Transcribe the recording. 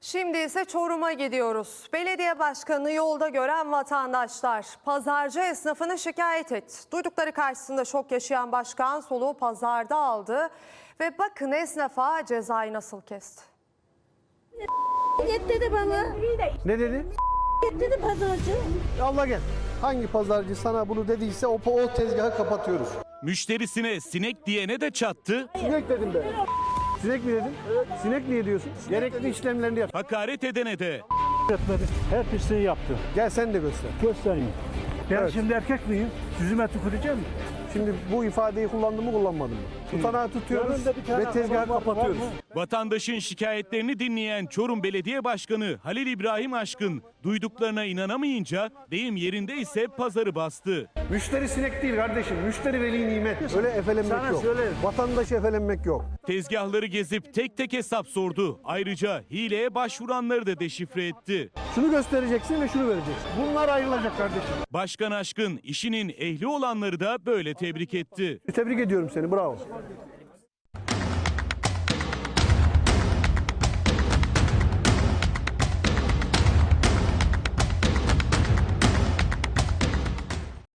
Şimdi ise Çorum'a gidiyoruz. Belediye başkanını yolda gören vatandaşlar pazarcı esnafını şikayet etti. Duydukları karşısında şok yaşayan başkan soluğu pazarda aldı ve bakın esnafa cezayı nasıl kesti. Git dedi bana. Ne dedi? Git dedi pazarcı. Allah gel. Hangi pazarcı sana bunu dediyse o tezgahı kapatıyoruz. Müşterisine sinek diyene de çattı. Sinek dedim ben. Sinek mi dedin? Evet. Sinek niye diyorsun? Gerekli işlemlerini yap. Hakaret edene de. Etmedi. Her pisliği yaptı. Gel sen de göster. Göstereyim. Ben Evet. şimdi erkek miyim? Yüzüme tüküreceğim mi? Şimdi bu ifadeyi kullandım mı kullanmadım mı? Tutanağı tutuyoruz Yanında bir tane ve tezgahı adam var kapatıyoruz. mı? Vatandaşın şikayetlerini dinleyen Çorum Belediye Başkanı Halil İbrahim Aşkın duyduklarına inanamayınca deyim yerinde ise pazarı bastı. Müşteri sinek değil kardeşim. Müşteri veli nimet. Öyle efelenmek Sana yok. söylerim. Vatandaşı efelenmek yok. Tezgahları gezip tek tek hesap sordu. Ayrıca hileye başvuranları da deşifre etti. Şunu göstereceksin ve şunu vereceksin. Bunlar ayrılacak kardeşim. Başkan Aşkın işinin ehli olanları da böyle tebrik etti. Tebrik ediyorum seni. Bravo.